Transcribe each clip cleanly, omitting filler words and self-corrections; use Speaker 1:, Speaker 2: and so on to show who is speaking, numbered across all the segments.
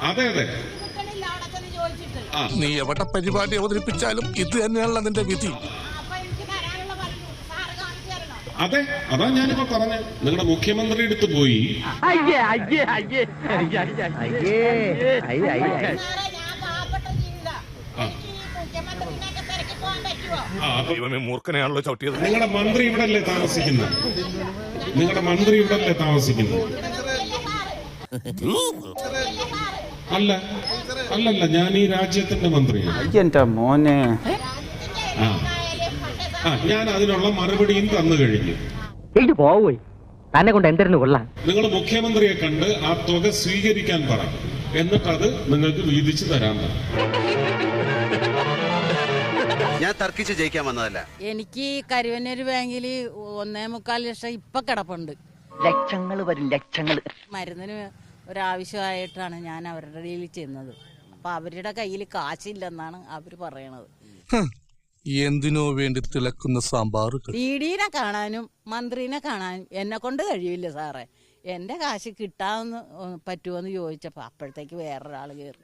Speaker 1: അതെ അതെ.
Speaker 2: നീ എവിടെ പരിപാടി അവതരിപ്പിച്ചാലും ഇത് തന്നെയാണല്ലോ നിന്റെ വിധി.
Speaker 1: അതെ, അതാ ഞാനിപ്പോ പറഞ്ഞ നിങ്ങളുടെ മുഖ്യമന്ത്രി അടുത്ത് പോയി.
Speaker 2: മൂർഖനെയാണല്ലോ ചവിട്ടിയത്.
Speaker 1: നിങ്ങളുടെ മന്ത്രി ഇവിടെ അല്ലേ താമസിക്കുന്നത്? നിങ്ങളുടെ മന്ത്രി ഇവിടെ അല്ലേ താമസിക്കുന്നത്? അല്ല അല്ലല്ല, ഞാൻ ഈ രാജ്യത്തിന്റെ മന്ത്രിയാണ്.
Speaker 3: മോനെ,
Speaker 1: ഞാൻ അതിനുള്ള മറുപടിയും തന്നു കഴിഞ്ഞു.
Speaker 4: പോയി തന്നെ കൊണ്ട് എന്തിനു കൊള്ളാം.
Speaker 1: നിങ്ങൾ മുഖ്യമന്ത്രിയെ കണ്ട് ആ തുക സ്വീകരിക്കാൻ പറ, എന്നിട്ടത് നിങ്ങൾക്ക് വീതിച്ചു തരാൻ പറ.
Speaker 5: ഞാൻ തർക്കിച്ച് ജയിക്കാൻ വന്നതല്ല.
Speaker 6: എനിക്ക് കരുവന്നൂർ ബാങ്കിൽ 1.25 ലക്ഷം ഇപ്പൊ കിടപ്പുണ്ട്.
Speaker 4: ലക്ഷങ്ങൾ വരും, ലക്ഷങ്ങൾ.
Speaker 6: മരുന്നിന് ഒരാവശ്യമായിട്ടാണ് ഞാൻ അവരുടെ കയ്യിൽ ചെന്നത്. അപ്പൊ അവരുടെ കയ്യിൽ കാശില്ലെന്നാണ് അവര് പറയണത്.
Speaker 2: എന്തിനോ വേണ്ടി തിളക്കുന്ന സാമ്പാർ.
Speaker 6: ഡിഡിനെ കാണാനും മന്ത്രിനെ കാണാനും എന്നെ കൊണ്ട് കഴിയില്ല സാറേ. എന്റെ കാശ് കിട്ടാമെന്ന് പറ്റുമോന്ന് ചോദിച്ചപ്പോ അപ്പോഴത്തേക്ക് വേറൊരാള് കയറി.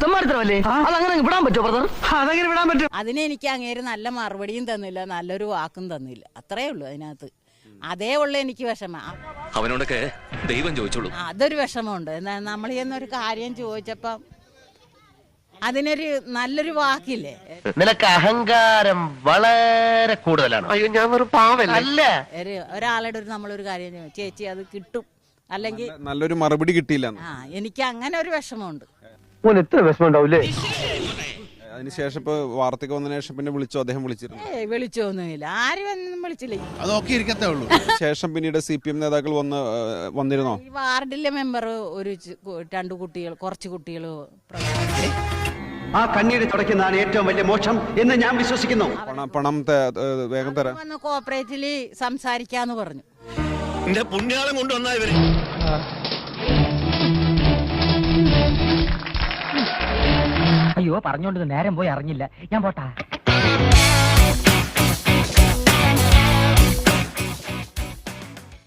Speaker 6: അതിന് എനിക്ക് അങ്ങേര് നല്ല മറുപടിയും തന്നില്ല, നല്ലൊരു വാക്കും തന്നില്ല. അത്രേ ഉള്ളൂ അതിനകത്ത്. അതേ ഉള്ളു എനിക്ക് വിഷമം.
Speaker 7: അവനോടൊക്കെ ദൈവം ചോദിച്ചോളൂ.
Speaker 6: അതൊരു വിഷമമുണ്ട്. നമ്മൾ എന്നൊരു കാര്യം ചോദിച്ചപ്പം അതിനൊരു നല്ലൊരു വാക്കില്ലേ.
Speaker 4: നിനക്ക് അഹങ്കാരം വളരെ കൂടുതലാണ്. അയ്യോ, ഞാൻ ഒരു പാവല്ല.
Speaker 6: ഒരാളുടെ നമ്മളൊരു കാര്യം ചേച്ചി അത് കിട്ടും, അല്ലെങ്കിൽ
Speaker 3: നല്ലൊരു മറുപടി കിട്ടിയില്ല.
Speaker 6: എനിക്ക് അങ്ങനെ ഒരു വിഷമമുണ്ട്.
Speaker 4: എത്ര വിഷമം ഉണ്ടാവൂലേ.
Speaker 3: അതിനുശേഷം ഇപ്പൊ വാർത്തയ്ക്ക് വന്നതിന് ശേഷം പിന്നെ വിളിച്ചോ? അദ്ദേഹം വിളിച്ചിരുന്നു?
Speaker 6: വിളിച്ചൊന്നുമില്ല, ആരും ഒന്നും വിളിച്ചില്ല.
Speaker 5: അതൊക്കെ ഇരിക്കത്തേ ഉള്ളൂ.
Speaker 3: ശേഷം പിന്നീട് CPM നേതാക്കൾ വന്നിരുന്നോ?
Speaker 6: ഈ വാർഡിലെ മെമ്പർ കുറച്ച് കുട്ടികൾ
Speaker 8: ആ കണ്ണീര് തുടയ്ക്കുന്നതാണ് ഏറ്റവും വലിയ മോക്ഷം എന്ന് ഞാൻ വിശ്വസിക്കുന്നു.
Speaker 3: പണം വേഗം തരാം.
Speaker 6: വന്ന് കോപ്പറേറ്റില് സംസാരിക്കാന്ന് പറഞ്ഞു.
Speaker 7: എന്റെ പുണ്യാളം കൊണ്ടുവന്നാ ഇവര്.
Speaker 4: അയ്യോ, പറഞ്ഞോണ്ട് നേരം പോയി അറിഞ്ഞില്ല. ഞാൻ പോട്ടാ.